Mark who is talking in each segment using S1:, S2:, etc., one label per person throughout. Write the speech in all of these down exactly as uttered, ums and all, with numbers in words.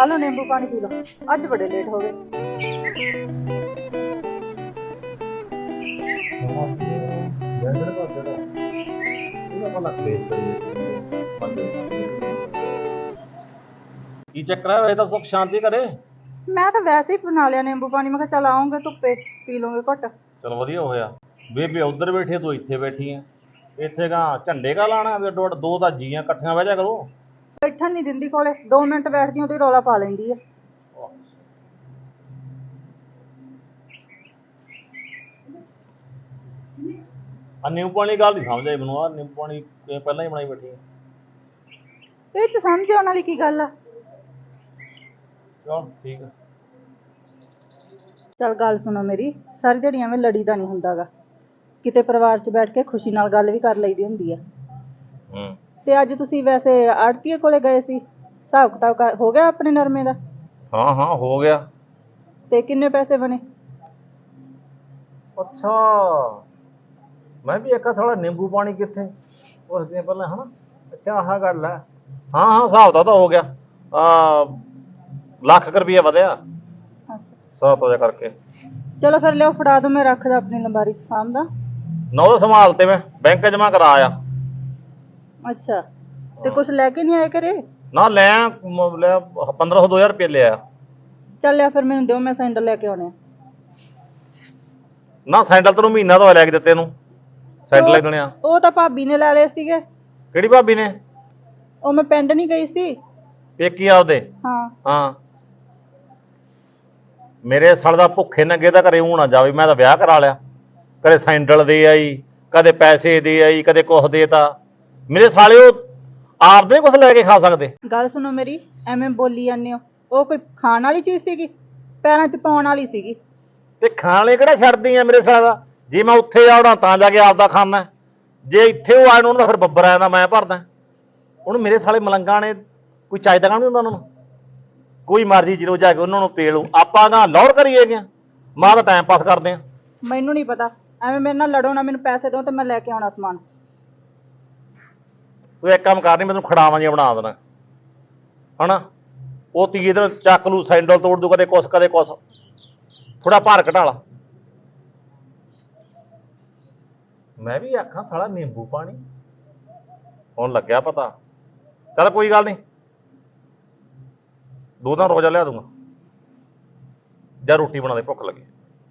S1: आ लो नींबू पानी P low, अज बड़े लेट हो गए।
S2: की चक्कर है? तो सुख शांति करे।
S1: मैं तो वैसे ही बना लिया नींबू पानी, मैं चल आऊंगे धुप्पे पी लूंगे घुट।
S2: चल वधिया होया। बेबे उधर बैठी तू इत्थे बैठी है। इत्थे का झंडे का लाना दो दो तां जीआं इकट्ठियां बह जा करो।
S1: बैठन नहीं दिंदी कोले, दो मिनट बैठदी हूं तो रौला पा लेंदी है।
S2: आ नींबू पानी गल नहीं समझ आई मैनूं। आ नींबू पानी पहलां ही बनाई बैठी है।
S1: ਇਹ ਚ ਸਮਝ ਆਉਣ ਵਾਲੀ ਕੀ ਗੱਲ ਆ।
S2: चल ठीक है।
S1: ਚੱਲ ਗੱਲ ਸੁਣੋ ਮੇਰੀ, ਸਾਰੀ ਦਿਹਾੜੀ ਐਵੇਂ ਲੜੀਦਾ ਨਹੀਂ ਹੁੰਦਾਗਾ, ਕਿਤੇ ਪਰਿਵਾਰ 'ਚ ਬੈਠ ਕੇ ਖੁਸ਼ੀ ਨਾਲ ਗੱਲ ਵੀ ਕਰ ਲਈਦੀ ਹੁੰਦੀ ਆ।
S2: हूँ
S1: ਤੇ ਅੱਜ ਤੁਸੀਂ ਵੈਸੇ ਆੜਤੀਏ ਕੋਲੇ ਗਏ ਸੀ, ਹਿਸਾਬ ਕਿਤਾਬ ਕਰ- ਹੋ ਗਿਆ ਆਪਣੇ ਨਰਮੇ ਦਾ?
S2: हाँ हाँ हो गया।
S1: ਤੇ ਕਿੰਨੇ ਪੈਸੇ ਬਣੇ?
S2: अच्छा मैं भी आखा थोड़ा नींबू पानी कितने उस दिन पहले है ना। अच्छा आह गल है। हाँ हाँ हिसाब तो हो गया। आ, ਲੱਖ ਕੁ ਰੁਪਈਆ ਵਧਿਆ ਹਿਸਾਬ ਤੋਂ ਕਰਕੇ।
S1: ਚਲੋ ਫਿਰ ਲਿਓ ਫੜਾ ਦੋ, ਮੈਂ ਰੱਖਦਾ ਆਪਣੀ ਲੰਬਾਰੀ 'ਚ ਸਾਂਭਦਾ।
S2: ਨਾ ਉਹ ਸੰਭਾਲ ਤੇ ਮੈਂ ਬੈਂਕ ਜਮਾ ਕਰਾ ਆਇਆ।
S1: ਅੱਛਾ, ਤੇ ਕੁਛ ਲੈ ਕੇ ਨਹੀਂ ਆਏ ਘਰੇ?
S2: ਨਾ ਲੈ ਮ- ਲੈ ਪੰਦਰਾਂ ਸੌ ਦੋ ਹਜ਼ਾਰ ਰੁਪਏ ਲਿਆ।
S1: ਚੱਲ ਲਿਆ ਫਿਰ ਮੈਨੂੰ ਦਿਓ, ਮੈਂ ਸੈਂਡਲ ਲੈ ਕੇ ਆਉਣੇ ਆ।
S2: ਨਾ ਸੈਂਡਲ ਤੈਨੂੰ ਮਹੀਨਾ ਤੋਂ ਲੈ ਕੇ ਦਿੱਤੇ ਨੂੰ ਸੈਂਡਲ ਲੈ ਦੇਣੇ ਆ।
S1: ਉਹ ਤਾਂ ਭਾਬੀ ਨੇ ਲੈ ਲਏ ਸੀਗੇ।
S2: ਕਿਹੜੀ ਭਾਬੀ ਨੇ?
S1: ਉਹ ਮੈਂ ਪਿੰਡ ਨਹੀਂ ਗਈ ਸੀ।
S2: ਪੇਕੀ ਆਪਦੇ?
S1: ਹਾਂ
S2: ਹਾਂ ਮੇਰੇ ਸਾਲ ਦਾ ਭੁੱਖੇ ਨੰਗੇ ਦਾ ਘਰੇ ਊਂ ਨਾ ਜਾਵੇ। ਮੈਂ ਤਾਂ ਵਿਆਹ ਕਰਾ ਲਿਆ, ਕਦੇ ਸੈਂਡਲ ਦੇ ਆਈ, ਕਦੇ ਪੈਸੇ ਦੇ ਆਈ, ਕਦੇ ਕੁਛ ਦੇ ਤਾ। ਮੇਰੇ ਸਾਲੇ ਉਹ ਆਪਦੇ ਕੁਛ ਲੈ ਕੇ ਖਾ ਸਕਦੇ?
S1: ਗੱਲ ਸੁਣੋ ਮੇਰੀ, ਐਵੇਂ ਬੋਲੀ ਜਾਂਦੇ ਹੋ। ਉਹ ਕੋਈ ਖਾਣ ਵਾਲੀ ਚੀਜ਼ ਸੀਗੀ? ਪੈਰਾਂ 'ਚ ਪਾਉਣ ਵਾਲੀ ਸੀਗੀ।
S2: ਤੇ ਖਾਣ ਵਾਲੇ ਕਿਹੜਾ ਛੱਡਦੀ ਆ ਮੇਰੇ ਸਾਲ ਦਾ? ਜੇ ਮੈਂ ਉੱਥੇ ਆਉਣਾ ਤਾਂ ਜਾ ਕੇ ਆਪਦਾ ਖਾਣਾ, ਜੇ ਇੱਥੇ ਉਹ ਆਣ ਉਹਨੂੰ ਤਾਂ ਫਿਰ ਬੱਬਰ ਆ ਜਾਂਦਾ ਮੈਂ ਭਰਦਾ। ਹੁਣ ਮੇਰੇ ਸਾਲੇ ਮਲੰਗਾਂ ਨੇ ਕੋਈ ਚਾਹੀਦਾ ਕੰਮ ਨਹੀਂ ਹੁੰਦਾ ਉਹਨਾਂ ਨੂੰ। ਕੋਈ ਮਰਜ਼ੀ ਜਦੋਂ ਜਾ ਕੇ ਉਹਨਾਂ ਨੂੰ ਪੇ ਲਓ, ਆਪਾਂ ਗਾ ਲੌੜ ਕਰੀਏ ਗਿਆ ਮਾਂ ਦਾ ਟਾਈਮ ਪਾਸ ਕਰਦੇ ਆ।
S1: ਮੈਨੂੰ ਨਹੀਂ ਪਤਾ, ਐਵੇਂ ਮੇਰੇ ਨਾਲ ਲੜੋ ਨਾ, ਮੈਨੂੰ ਪੈਸੇ ਦਿਓ ਤੇ ਮੈਂ ਲੈ ਕੇ ਆਉਣਾ ਸਮਾਨ।
S2: ਤੂੰ ਇੱਕ ਕੰਮ ਕਰਨੀ, ਮੈਂ ਤੈਨੂੰ ਖੜਾਵਾਂ ਜਿਹਾ ਬਣਾ ਦੇਣਾ ਹਨਾ। ਉਹ ਤੀਏ ਦਿਨ ਚੱਕ ਲੂ ਸੈਂਡਲ ਤੋੜ ਦੂ, ਕਦੇ ਕੁਛ ਕਦੇ ਕੁਛ। ਥੋੜਾ ਭਾਰ ਘਟਾ ਲਾ। ਮੈਂ ਵੀ ਆਖਾਂ ਸਾਲਾ ਨਿੰਬੂ ਪਾਣੀ ਹੁਣ ਲੱਗਿਆ ਪਤਾ। ਚੱਲ ਕੋਈ ਗੱਲ ਨਹੀਂ, ਦੋ ਦਿਨ ਰੋਜ਼ਾ ਲਿਆ ਦੂੰਗਾ ਜਾਂ ਰੋਟੀ ਬਣਾ ਦੇ, ਭੁੱਖ ਲੱਗੀ।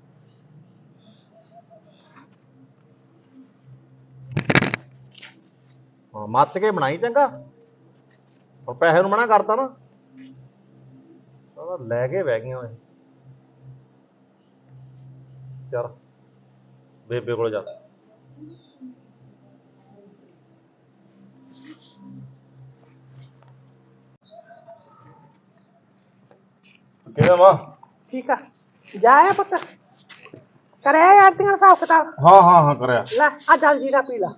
S2: ਹਾਂ ਮੱਚ ਕੇ ਬਣਾਈ ਚੰਗਾ। ਹੁਣ ਪੈਸੇ ਨੂੰ ਮਨਾ ਕਰਤਾ ਨਾ, ਲੈ ਕੇ ਬਹਿ ਗਈਆਂ। ਚੱਲ ਬੇਬੇ ਕੋਲ ਜਾ। ਕਿਵੇਂ ਮਾਂ?
S3: ठीक है, जाया पुत्र कराया आरती का हिसाब किताब?
S2: हाँ हाँ हाँ करिਆ।
S3: ला आ जल जीरा पी ला।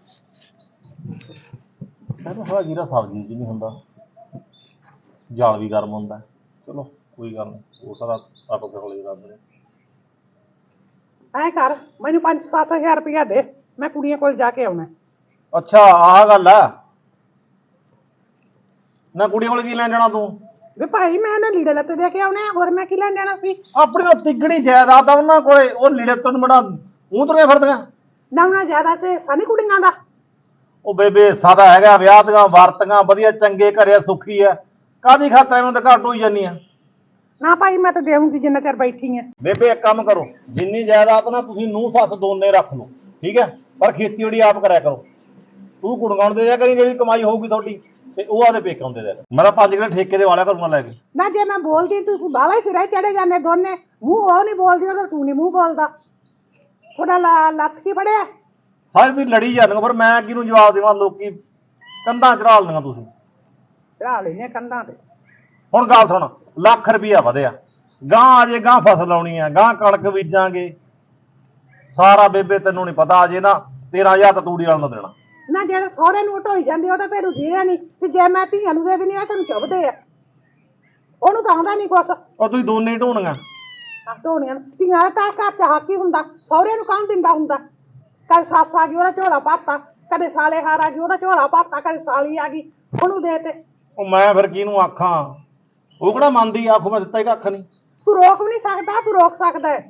S2: ਇਹਨੂੰ ਥੋੜਾ ਜੀਰਾ ਸਬਜ਼ੀ ਚ ਨਹੀਂ ਹੁੰਦਾ, ਜਾਲ ਵੀ ਗਰਮ ਹੁੰਦਾ। ਚਲੋ ਕੋਈ ਗੱਲ ਨਹੀਂ, ਉਹ ਸਾਰਾ ਆਪੋ ਕੋਲੇ ਰੱਬ ਨੇ।
S3: ऐ कर मैनू पांच सत्त हजार रुपया दे, मैं कुड़ियां कोल जाके आउणा।
S2: ਅੱਛਾ ਆਹ ਗੱਲ ਆ। ਨਾ ਕੁੜੀ ਕੋਲ ਕੀ ਲੈਣ ਜਾਣਾ ਤੂੰ?
S3: वे भाई मैं ना लीड़े लत्ते दे के आउणे, और मैं की लैण जाना सी?
S2: ਆਪਣੀ ਉਹ ਤਿੱਗਣੀ ਜਾਇਦਾਦ ਆ ਉਹਨਾਂ ਕੋਲੇ, ਉਹ ਲੀੜੇ ਤੋਂ ਬੜਾ ਮੂੰਹ ਤੁਰੀਆਂ ਫਿਰਦੀਆਂ।
S3: ना उन्हें ज्यादा से सनी कुड़ियां दा।
S2: ਉਹ ਬੇਬੇ ਸਾਦਾ ਹੈਗਾ, ਵਿਆਹ ਦੀਆਂ ਵਰਤੀਆਂ ਵਧੀਆ, ਚੰਗੇ ਘਰੇ ਸੁਖੀ ਆ, ਕਾਹਦੀ ਖਾਤਰ ਐਵੇਂ ਤਾਂ ਘੱਟ ਹੋਈ ਜਾਨੀ ਆ।
S3: ना भाई मैं तो देऊंगी जिन्ना चਿਰ बैठी है।
S2: ਬੇਬੇ ਇੱਕ ਕੰਮ ਕਰੋ, ਜਿੰਨੀ ਜਾਇਦਾਦ ਨਾ ਤੁਸੀਂ ਨੂੰਹ ਸੱਸ ਦੋਨੇ ਰੱਖ ਲਓ, ਠੀਕ ਹੈ, ਪਰ ਖੇਤੀਬਾੜੀ ਆਪ ਕਰਿਆ ਕਰੋ। ਤੂੰ ਗੁਣਗਾਉਣ ਦੇ ਜਾ ਕਰੀ, ਜਿਹੜੀ ਕਮਾਈ ਹੋਊਗੀ ਤੁਹਾਡੀ ਤੇ ਉਹ ਆਦੇ ਪੇਕਾਂ ਦੇ ਦੇ। ਮੈਂ ਤਾਂ ਪੰਜ ਕਿਲੇ ਠੇਕੇ ਦੇ ਵਾਲਿਆ ਕਰੂੰਗਾ ਲੈ ਕੇ।
S3: ना जे मैं बोलती तू बाला ही सिरे चढ़े जाने दोने, मुंह वो नहीं बोलदी तो तू नहीं मुंह बोलदा। थोड़ा ला लत की फड़िया
S2: ਸਾਰੇ ਤੁਸੀਂ ਲੜੀ ਜਾਂਦੇ ਹੋ, ਪਰ ਮੈਂ ਕਿਹਨੂੰ ਜਵਾਬ ਦੇਵਾਂ? ਲੋਕੀ ਕੰਧਾਂ ਚੜਾ ਲੈਂਦੀਆਂ ਤੁਸੀਂ।
S3: चढ़ा लेने कंधा ते।
S2: ਹੁਣ ਗੱਲ ਸੁਣ, ਲੱਖ ਰੁਪਈਆ ਵਧਿਆ, ਗਾਂ ਅਜੇ ਗਾਂ ਫਸਲ ਆਉਣੀ ਆ, ਗਾਂ ਕਣਕ ਬੀਜਾਂਗੇ ਸਾਰਾ। ਬੇਬੇ ਤੈਨੂੰ ਨਹੀਂ ਪਤਾ, ਅਜੇ ਨਾ ਤੇਰਾਂ ਹਜ਼ਾਰ ਤਾਂ ਤੂੜੀ ਵਾਲ ਨੂੰ ਦੇਣਾ।
S3: ना जेड़ा सौरे नूं ढोई जांदी ओ तां फिर जीया नहीं, ते जे मैं धीआं नूं दे दिंदी आ तैनूं चुभदे आ, ओनूं तां आंदा नहीं कुछ।
S2: ਉਹ ਤੁਸੀਂ ਦੋਨੇ ਹੀ ਢੋਣੀਆਂ।
S3: ਢੋਣੀਆਂ ਧੀਆਂ ਤਾਂ ਘਰ ਚ ਹੱਕ ਹੀ ਹੁੰਦਾ, ਸਹੁਰੇ ਨੂੰ ਕੌਣ ਦਿੰਦਾ ਹੁੰਦਾ? ਕਦੇ ਸੱਸ ਆ ਗਈ ਉਹਦਾ ਝੋਲਾ ਭਰਤਾ, ਕਦੇ ਸਾਲੇ ਹਾਰ ਆ ਗਈ ਉਹਦਾ ਝੋਲਾ ਭਰਤਾ, ਕਦੇ ਸਾਲੀ ਆ ਗਈ ਉਹਨੂੰ ਦੇ ਤੇ।
S2: ਉਹ ਮੈਂ ਫਿਰ ਕਿਹਨੂੰ ਆਖਾਂ? ਉਹ ਕਿਹੜਾ ਮੰਨਦੀ ਆਖੋ ਮੈਂ ਦਿੱਤਾ ਹੀ ਕੱਖ ਨਹੀਂ।
S3: ਤੂੰ ਰੋਕ ਵੀ ਨਹੀਂ ਸਕਦਾ, ਤੂੰ ਰੋਕ ਸਕਦਾ ਹੈ।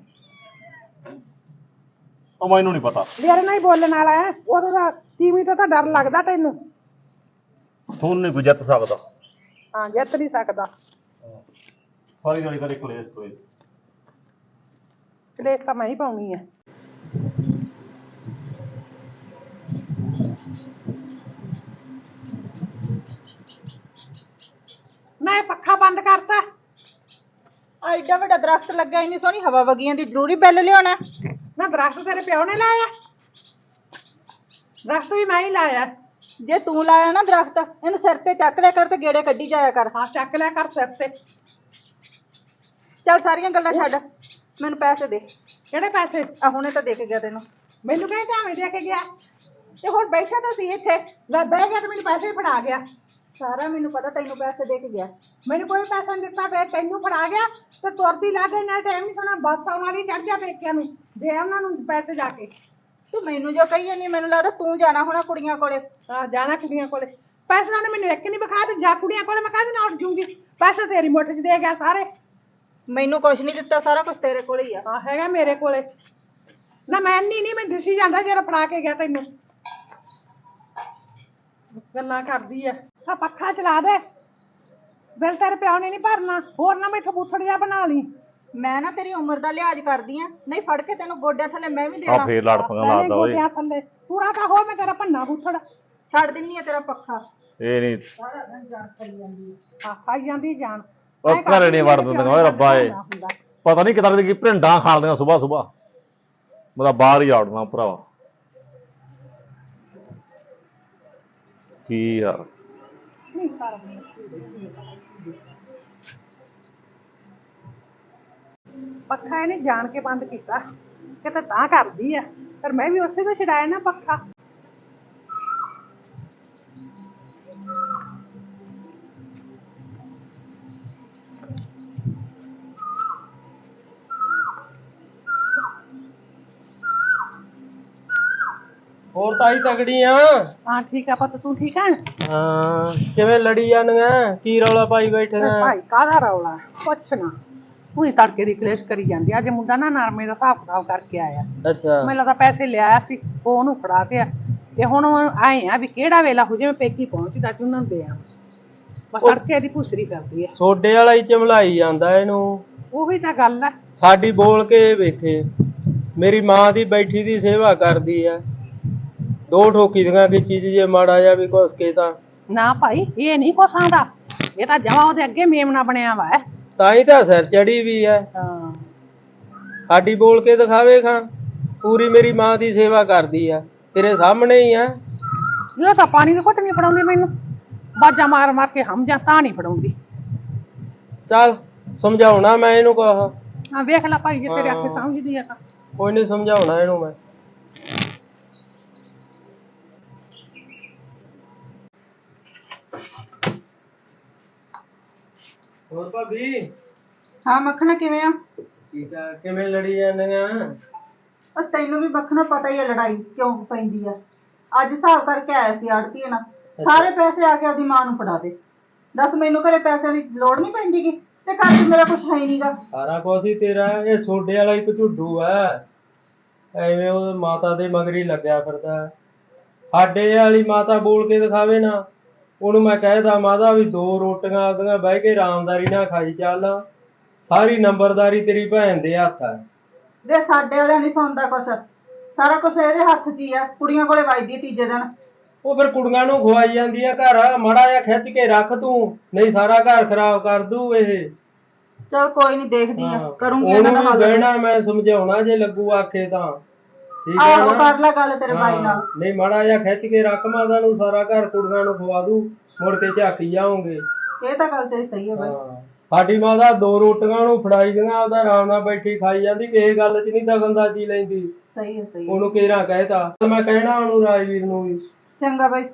S2: ਉਹ ਮੈਨੂੰ ਨਹੀਂ ਪਤਾ।
S3: ਮੇਰੇ ਨਾਲ ਹੀ ਬੋਲਣ ਵਾਲਾ ਹੈ, ਉਹਦਾ ਤਾਂ ਤੀਵੀਂ ਤੋਂ ਤਾਂ ਡਰ ਲੱਗਦਾ ਤੈਨੂੰ।
S2: ਤੁਹਾਨੂੰ ਨਹੀਂ ਕੋਈ ਜਿੱਤ ਸਕਦਾ।
S3: ਹਾਂ ਜਿੱਤ ਨਹੀਂ ਸਕਦਾ।
S2: ਸਾਰੀ ਦਿਹਾੜੀ ਕਦੇ ਕਲੇਸ਼ ਕਲੇਸ਼।
S3: ਕਲੇਸ਼ ਤਾਂ ਮੈਂ ਹੀ ਪਾਉਣੀ ਹੈ। ਮੈਂ ਪੱਖਾ ਬੰਦ ਕਰਤਾ।
S1: ਐਡਾ ਵੱਡਾ ਦਰਖਤ ਲੱਗਾ, ਇੰਨੀ ਸੋਹਣੀ ਹਵਾ ਵਗੀਆਂ ਦੀ, ਜ਼ਰੂਰੀ ਬਿੱਲ ਲਿਆਉਣਾ?
S3: ਨਾ ਦਰਖਤ ਤੇਰੇ ਪਿਓ ਨੇ ਲਾਇਆ? ਦਰਖਤ ਵੀ ਮੈਂ ਹੀ ਲਾਇਆ।
S1: ਜੇ ਤੂੰ ਲਾਇਆ ਨਾ ਦਰਖਤ, ਇਹਨੂੰ ਸਿਰ ਤੇ ਚੱਕ ਲਿਆ ਕਰ ਤੇ ਗੇੜੇ ਕੱਢੀ ਜਾਇਆ ਕਰ।
S3: ਹਾਂ ਚੱਕ ਲਿਆ ਕਰ ਸਿਰ ਤੇ।
S1: ਚੱਲ ਸਾਰੀਆਂ ਗੱਲਾਂ ਛੱਡ, ਮੈਨੂੰ ਪੈਸੇ ਦੇ।
S3: ਕਿਹੜੇ ਪੈਸੇ?
S1: ਆ ਹੁਣੇ ਤਾਂ ਦੇ ਕੇ ਗਿਆ ਤੈਨੂੰ।
S3: ਮੈਨੂੰ ਕਹਿੰਦੇ ਢਾਵੇਂ ਦੇ ਕੇ ਗਿਆ
S1: ਤੇ ਹੁਣ ਬੈਠਾ ਤਾਂ ਸੀ ਇੱਥੇ।
S3: ਲੈ ਬਹਿ ਗਿਆ ਤੇ ਮੈਨੂੰ ਪੈਸੇ ਵੀ ਫੜਾ ਗਿਆ।
S1: ਸਾਰਾ ਮੈਨੂੰ ਪਤਾ, ਤੈਨੂੰ ਪੈਸੇ ਦੇ ਕੇ ਗਿਆ।
S3: ਮੈਨੂੰ ਕੋਈ ਪੈਸਾ ਨਹੀਂ ਦਿੱਤਾ, ਫੇਰ ਤੈਨੂੰ ਫੜਾ ਗਿਆ ਤੇ ਤੁਰਦੀ ਲੱਗ ਗਈ। ਨਾ ਟਾਈਮ ਨਹੀਂ ਸੋਣਾ, ਬੱਸ ਆਉਣ ਵਾਲੀ, ਚੜ ਜਾ ਪੇਕਿਆਂ ਨੂੰ, ਦੇ ਉਹਨਾਂ ਨੂੰ ਪੈਸੇ ਜਾ ਕੇ।
S1: ਤੂੰ ਮੈਨੂੰ ਜੋ ਕਹੀ ਜਾਂਦੀ, ਮੈਨੂੰ ਲੱਗਦਾ ਤੂੰ ਜਾਣਾ ਹੋਣਾ ਕੁੜੀਆਂ ਕੋਲੇ।
S3: ਆ ਜਾਣਾ ਕੁੜੀਆਂ ਕੋਲੇ। ਪੈਸੇ ਤਾਂ ਮੈਨੂੰ ਇੱਕ ਨਹੀਂ ਵਿਖਾ ਤੇ ਜਾ ਕੁੜੀਆਂ ਕੋਲੇ। ਮੈਂ ਕਾਹਦੇ ਨਾਲ ਉੱਠ ਜੂਗੀ? ਪੈਸੇ ਤੇਰੀ ਮੁੱਠ 'ਚ ਦੇ ਗਿਆ ਸਾਰੇ।
S1: ਮੈਨੂੰ ਕੁਛ ਨਹੀਂ ਦਿੱਤਾ, ਸਾਰਾ ਕੁਝ ਤੇਰੇ ਕੋਲ ਹੀ ਆ।
S3: ਹਾਂ ਹੈਗਾ ਮੇਰੇ ਕੋਲੇ। ਨਾ ਮੈਂ ਨਹੀਂ ਨਹੀਂ ਮੈਂ ਦਿਸੀ ਜਾਂਦਾ ਜਿਹੜਾ ਫੜਾ ਕੇ ਗਿਆ ਤੈਨੂੰ। ਗੱਲਾਂ ਕਰਦੀ ਐ। ਆ ਪੱਖਾ ਚਲਾ ਦੇ, ਬਿੱਲ ਤੇਰੇ ਪਿਓ ਨੇ ਨਹੀਂ ਭਰਨਾ। ਹੋਰ ਨਾ ਮੈਥੋਂ ਬੂਥੜ ਜਿਹਾ ਬਣਾ ਲਈ।
S1: ਮੈਂ ਨਾ ਤੇਰੀ ਉਮਰ ਦਾ ਲਿਹਾਜ਼ ਕਰਦੀ ਆ, ਨਹੀਂ ਫੜ ਕੇ ਤੈਨੂੰ ਗੋਡਿਆਂ ਥੱਲੇ ਮੈਂ ਵੀ
S2: ਆ
S1: ਦੇਣਾ।
S2: ਫੇਰ ਲੜ ਪੰਗਾ ਲਾਦਾ ਓਏ।
S3: ਗੋਡਿਆਂ ਥੱਲੇ ਪੂਰਾ ਤਾਂ ਹੋ, ਮੈਂ ਤੇਰਾ ਭੰਨਾ ਬੂਥੜ
S1: ਛੱਡ ਦਿੰਨੀ ਆ ਤੇਰਾ ਪੱਖਾ।
S2: ਇਹ ਨਹੀਂ
S3: ਸਾਰਾ ਦਿਨ ਜਾਨ ਕਰੀ ਜਾਂਦੀ ਆ। ਆ ਖਾਈ ਜਾਂਦੀ ਜਾਨ।
S2: ਉਹ ਘਰੇ ਨਹੀਂ ਵੜ ਦਿੰਦੇ ਓਏ ਰੱਬਾ ਏ। ਪਤਾ ਨਹੀਂ ਕਿਦਾਂ ਦੀ ਭਿੰਡਾਂ ਖਾਲਦੀਆਂ ਸੁਬਾਹ ਸੁਬਾਹ। ਮੈਂ ਤਾਂ ਬਾਹਰ ਹੀ ਆੜਨਾ ਭਰਾਵਾ। ਕੀ ਯਾਰ
S3: ਪੱਖਾ ਇਹਨੇ ਜਾਣ ਕੇ ਬੰਦ ਕੀਤਾ, ਕਿਤੇ ਤਾਂ ਕਰਦੀ ਆ, ਪਰ ਮੈਂ ਵੀ ਉਸੇ ਤੋਂ ਛਡਾਇਆ ਨਾ ਪੱਖਾ।
S4: ਹੋਰ ਤਾਈ ਤਗੜੀ ਆ?
S3: ਹਾਂ ਠੀਕ ਆ ਪੁੱਤ, ਤੂੰ ਠੀਕ ਆ?
S4: ਹਾਂ ਕਿਵੇਂ ਲੜੀ ਜਾਂਦੀਆਂ? ਕੀ ਰੌਲਾ ਪਾਈ ਬੈਠੇ ਆ?
S3: ਭਾਈ ਕਾਹਦਾ ਰੌਲਾ? ਪੁੱਛ ਨਾ, ਉਹੀ ਤੜਕੇ ਦੀ ਕਲੇਸ਼ ਕਰੀ ਜਾਂਦੀ। ਅੱਜ ਮੁੰਡਾ ਨਾ ਨਰਮੇ ਦਾ ਹਿਸਾਬ ਕਿਤਾਬ ਕਰਕੇ ਆਇਆ।
S4: ਅੱਛਾ
S3: ਮੈਨੂੰ ਲੱਗਦਾ ਪੈਸੇ ਲਿਆਇਆ ਸੀ, ਉਹ ਉਹਨੂੰ ਫੜਾ ਕੇ ਆ। ਤੇ ਹੁਣ ਆਏ ਆ ਵੀ ਕਿਹੜਾ ਵੇਲਾ ਹੋ ਜਾਵੇ ਪੇਕੀ ਪਹੁੰਚਦਾ ਕਿ ਉਹਨਾਂ ਨੂੰ ਦੇ ਆ। ਬਸ ਤੜਕੇ ਦੀ ਭੁਸਰੀ ਕਰਦੀ ਆ।
S4: ਸੋਡੇ ਵਾਲਾ ਹੀ ਚਮਲਾਈ ਜਾਂਦਾ ਇਹਨੂੰ।
S3: ਉਹੀ ਤਾਂ ਗੱਲ ਆ।
S4: ਸਾਡੀ ਬੋਲ ਕੇ ਵੇਖੇ, ਮੇਰੀ ਮਾਂ ਦੀ ਬੈਠੀ ਦੀ ਸੇਵਾ ਕਰਦੀ ਆ। ਦੋ ਠੋਕੀ ਦੀਆਂ ਕਿ ਚੀਜ਼ ਜੇ ਮਾੜਾ ਜਾ ਵੀ ਕੁਛ ਕੇ ਤਾਂ
S3: ਨਾ ਭਾਈ ਇਹ ਨਹੀਂ ਕੁਛ ਆਉਂਦਾ। ਇਹ ਤਾਂ ਜਮਾ ਉਹਦੇ ਅੱਗੇ ਮੇਮਣਾ ਬਣਿਆ ਵਾ।
S4: ਤਾਂ ਹੀ ਤਾਂ ਸਿਰ ਚੜੀ ਵੀ ਆ।
S3: ਹਾਂ
S4: ਸਾਡੀ ਬੋਲ ਕੇ ਦਿਖਾਵੇ ਖਾਂ, ਪੂਰੀ ਮੇਰੀ ਮਾਂ ਦੀ ਸੇਵਾ ਕਰਦੀ ਆ, ਤੇਰੇ ਸਾਹਮਣੇ ਹੀ ਆ।
S3: ਇਹ ਤਾਂ ਪਾਣੀ ਦੀ ਘੁੱਟ ਨਹੀਂ ਫੜਾਉਂਦੀ ਮੈਨੂੰ, ਬਾਜਾ ਮਾਰ ਮਾਰ ਕੇ ਹਮ ਜਾਂ ਤਾਂ ਨਹੀਂ ਫੜਾਉਂਦੀ।
S4: ਚੱਲ ਸਮਝਾਉਣਾ ਮੈਂ ਇਹਨੂੰ ਕਹਾ।
S3: ਹਾਂ ਵੇਖ ਲੈ ਭਾਈ, ਜੇ ਤੇਰੇ ਆਖੇ ਸਮਝਦੀ ਆ ਤਾਂ।
S4: ਕੋਈ ਨਹੀਂ ਸਮਝਾਉਣਾ ਇਹਨੂੰ ਮੈਂ। ਹੋਰ ਭਾਬੀ?
S1: ਹਾਂ ਮੱਖਣਾ ਕਿਵੇਂ ਆ?
S4: ਠੀਕ ਆ। ਕਿਵੇਂ ਲੜੀ ਜਾਂਦੀਆਂ?
S1: ਉਹ ਤੈਨੂੰ ਵੀ ਮੱਖਣਾ ਪਤਾ ਹੀ ਆ ਲੜਾਈ ਕਿਉਂ ਪੈਂਦੀ ਆ। ਅੱਜ ਹਿਸਾਬ ਕਰਕੇ ਆਇਆ ਸੀ ਆੜਤੀਏ ਨਾਲ, ਸਾਰੇ ਪੈਸੇ ਆ ਕੇ ਆਪਦੀ ਮਾਂ ਨੂੰ ਫੜਾ ਦੇ। ਦੱਸ ਮੈਨੂੰ ਘਰੇ ਪੈਸਿਆਂ ਦੀ ਲੋੜ ਨਹੀਂ ਪੈਂਦੀ ਗੀ, ਤੇ ਘਰ 'ਚ ਮੇਰਾ ਕੁਛ ਹੈ ਹੀ ਨਹੀਂਗਾ।
S4: ਸਾਰਾ ਕੁਛ ਹੀ ਤੇਰਾ। ਇਹ ਸੋਡੇ ਵਾਲਾ ਇੱਕ ਝੁੱਡੂ ਆ, ਐਵੇਂ ਉਹ ਮਾਤਾ ਦੇ ਮਗਰ ਹੀ ਲੱਗਿਆ ਫਿਰਦਾ। ਸਾਡੇ ਵਾਲੀ ਮਾਤਾ ਬੋਲ ਕੇ ਦਿਖਾਵੇ ਨਾ, ਉਹਨੂੰ ਮੈਂ ਕਹਿਦਾ ਮਾਤਾ ਵੀ ਦੋ ਰੋਟੀਆਂ ਆਪਦੀਆਂ ਬਹਿ ਕੇ ਆਰਾਮਦਾਰੀ ਨਾਲ ਖਾਈ ਚੱਲ, ਸਾਰੀ ਨੰਬਰਦਾਰੀ ਤੇਰੀ ਭੈਣ ਦੇ ਹੱਥ ਆ।
S1: ਵੇ ਸਾਡੇ ਵਾਲਿਆਂ ਨਹੀਂ ਸੁਣਦਾ ਕੁਛ, ਸਾਰਾ ਕੁਛ ਇਹਦੇ ਹੱਥ 'ਚ ਹੀ ਆ। ਕੁੜੀਆਂ ਕੋਲੇ ਵੱਜਦੀ ਤੀਜੇ ਦਿਨ।
S4: ਉਹ ਫਿਰ ਕੁੜੀਆਂ ਨੂੰ ਖਵਾਈ ਜਾਂਦੀ ਆ ਘਰ। ਮਾੜਾ ਜਿਹਾ ਖਿੱਚ ਕੇ ਰੱਖ ਤੂੰ, ਨਹੀਂ ਸਾਰਾ ਘਰ ਖਰਾਬ ਕਰ ਦੂ ਇਹ।
S1: ਚਲ ਕੋਈ ਨਹੀਂ, ਦੇਖਦੀ ਆ, ਕਰੂੰਗੀ
S4: ਉਹਨੂੰ
S1: ਇਹਨਾਂ ਦਾ
S4: ਵੀ
S1: ਹੱਲ।
S4: ਬਹਿਣਾ ਮੈਂ ਸਮਝਾਉਣਾ ਜੇ ਲੱਗੂ ਆਖੇ ਤਾਂ। ਠੀਕ ਹੈ
S1: ਆਹੋ
S4: ਨਾ?
S1: ਕਰ ਲੈ ਗੱਲ ਤੇਰੇ ਭਾਈ ਨਾਲ।
S4: ਨਹੀਂ ਮਾੜਾ ਜਿਹਾ ਖਿੱਚ ਕੇ ਰੱਖ ਮਾਤਾ ਨੂੰ, ਸਾਰਾ ਘਰ ਕੁੜੀਆਂ ਨੂੰ ਖਵਾ ਦੂ, ਮੁੜ ਕੇ ਝਾਕੀ ਜਾਓਗੇ।
S1: ਇਹ ਤਾਂ ਗੱਲ ਤੇਰੀ ਸਹੀ ਹੈ ਬਾਈ।
S4: ਸਾਡੀ ਮਾਤਾ ਦੋ ਰੋਟੀਆਂ ਨੂੰ ਫੜਾਈ ਦੀਆਂ, ਉਹਦਾ ਆਰਾਮ ਨਾਲ ਬੈਠੀ ਖਾਈ ਜਾਂਦੀ, ਕਿਸੇ ਗੱਲ 'ਚ ਨਹੀਂ ਦਖਲਅੰਦਾਜ਼ੀ ਲੈਂਦੀ।
S1: ਸਹੀ ਹੈ ਸਹੀ ਹੈ।
S4: ਉਹਨੂੰ ਕਿਹੜਾ ਕਹਿਤਾ, ਮੈਂ ਕਹਿਣਾ ਉਹਨੂੰ ਰਾਜਵੀਰ ਨੂੰ ਵੀ।
S1: ਚੰਗਾ ਬਾਈ।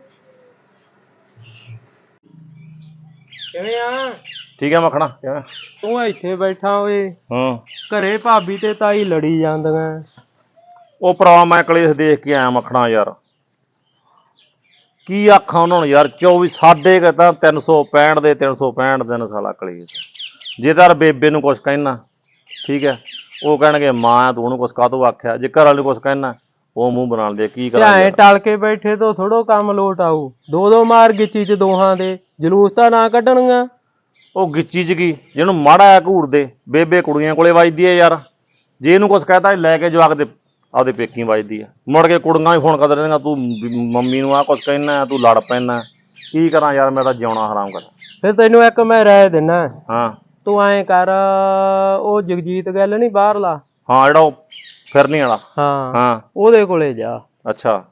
S4: ਕਿਵੇਂ ਆ?
S2: ਠੀਕ ਹੈ ਮੱਖਣਾ ਕਿਵੇਂ?
S4: ਤੂੰ ਇੱਥੇ ਬੈਠਾ ਓਏ,
S2: ਹਾਂ
S4: ਘਰੇ ਭਾਬੀ ਤੇ ਤਾਈ ਲੜੀ ਜਾਂਦੀਆਂ।
S2: ਉਹ ਭਰਾ ਮੈਂ ਕਲੇਸ਼ ਦੇਖ ਕੇ ਆਇਆ ਮੱਖਣਾ ਯਾਰ। ਕੀ ਆਖਾਂ ਉਹਨਾਂ ਨੂੰ ਯਾਰ, ਚੌਵੀ ਸਾਡੇ ਕੁ ਤਾਂ ਤਿੰਨ ਸੌ ਪੈਂਹਠ ਦੇ ਤਿੰਨ ਸੌ ਪੈਂਹਠ ਦਿਨ ਸਾਲਾ ਕਲੇਸ਼। ਜੇ ਤਾਂ ਬੇਬੇ ਨੂੰ ਕੁਛ ਕਹਿਣਾ ਠੀਕ ਹੈ, ਉਹ ਕਹਿਣਗੇ ਮਾਂ ਤੂੰ ਉਹਨੂੰ ਕੁਛ ਕਾਹਤੋਂ ਆਖਿਆ, ਜੇ ਘਰ ਵਾਲੇ ਨੂੰ ਕੁਛ ਕਹਿਣਾ ਉਹ ਮੂੰਹ ਬਣਾ ਲਦੇ। ਕੀ ਕਰਾਂ
S4: ਐ ਟਲ ਕੇ ਬੈਠੇ ਤੋਂ ਥੋੜੋ ਕੰਮ ਲੋਟ ਆਊ, ਦੋ ਦੋ ਮਾਰ ਗਿੱਚੀ ਚ ਦੋਹਾਂ ਦੇ, ਜਲੂਸ ਤਾਂ ਨਾ ਕੱਢਣਗਾ।
S2: ਉਹ ਗਿੱਚੀ ਚ ਕੀ, ਜਿਹਨੂੰ ਮਾੜਾ ਆ ਘੂਰਦੇ। ਬੇਬੇ ਕੁੜੀਆਂ ਕੋਲੇ ਵੱਜਦੀ ਹੈ ਯਾਰ, ਜੇ ਇਹਨੂੰ ਕੁਛ ਕਹਿਤਾ ਲੈ ਕੇ ਜਵਾਕ ਦੇ ਆਪਦੇ ਪੇਕੀ ਵੱਜਦੀ ਹੈ। ਮੁੜ ਕੇ ਕੁੜੀਆਂ ਵੀ ਫੋਨ ਕਰ ਦਿੰਦੀਆਂ ਤੂੰ ਮੰਮੀ ਨੂੰ ਆਹ ਕੁਛ ਕਹਿਣਾ, ਤੂੰ ਲੜ ਪੈਣਾ। ਕੀ ਕਰਾਂ ਯਾਰ, ਮੈਂ ਤਾਂ ਜਿਉਣਾ ਹਰਾਮ ਕਰ।
S4: ਫਿਰ ਤੈਨੂੰ ਇੱਕ ਮੈਂ ਰਾਏ ਦਿੰਦਾ,
S2: ਹਾਂ
S4: ਤੂੰ ਐਂ ਕਰ, ਉਹ ਜਗਜੀਤ ਗੱਲ ਨੀ ਬਾਹਰਲਾ,
S2: ਹਾਂ ਜਿਹੜਾ ਉਹ ਫਿਰਨੀ ਵਾਲਾ,
S4: ਹਾਂ
S2: ਹਾਂ
S4: ਉਹਦੇ ਕੋਲੇ ਜਾ।
S2: ਅੱਛਾ